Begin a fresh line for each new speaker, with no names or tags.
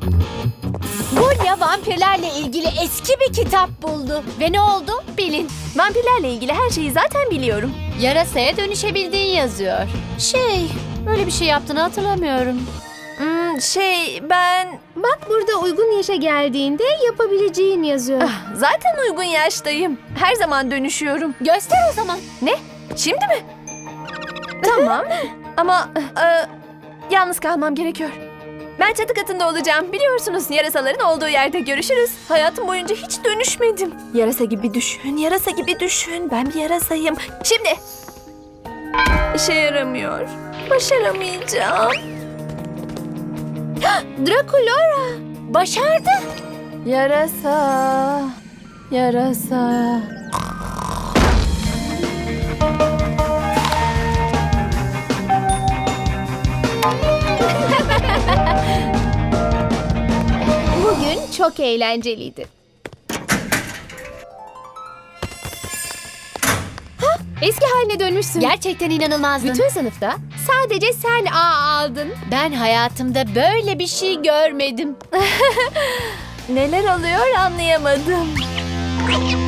Gulya vampirlerle ilgili eski bir kitap buldu. Ve ne oldu? Bilin.
Vampirlerle ilgili her şeyi zaten biliyorum.
Yarasaya dönüşebildiğin yazıyor. Öyle bir şey yaptığını hatırlamıyorum.
Ben
Bak burada uygun yaşa geldiğinde yapabileceğin yazıyor.
zaten uygun yaştayım. Her zaman dönüşüyorum.
Göster o zaman.
Ne? Şimdi mi? Tamam. Ama yalnız kalmam gerekiyor. Ben çatı katında olacağım. Biliyorsunuz yarasaların olduğu yerde görüşürüz. Hayatım boyunca hiç dönüşmedim. Yarasa gibi düşün, yarasa gibi düşün. Ben bir yarasayım. Şimdi. İşe yaramıyor. Başaramayacağım.
Draculora.
Başardı.
Yarasa. Yarasa.
Bugün çok eğlenceliydi. Eski haline dönmüşsün.
Gerçekten inanılmazdın.
Bütün sınıfta sadece sen A aldın.
Ben hayatımda böyle bir şey görmedim.
Neler oluyor anlayamadım.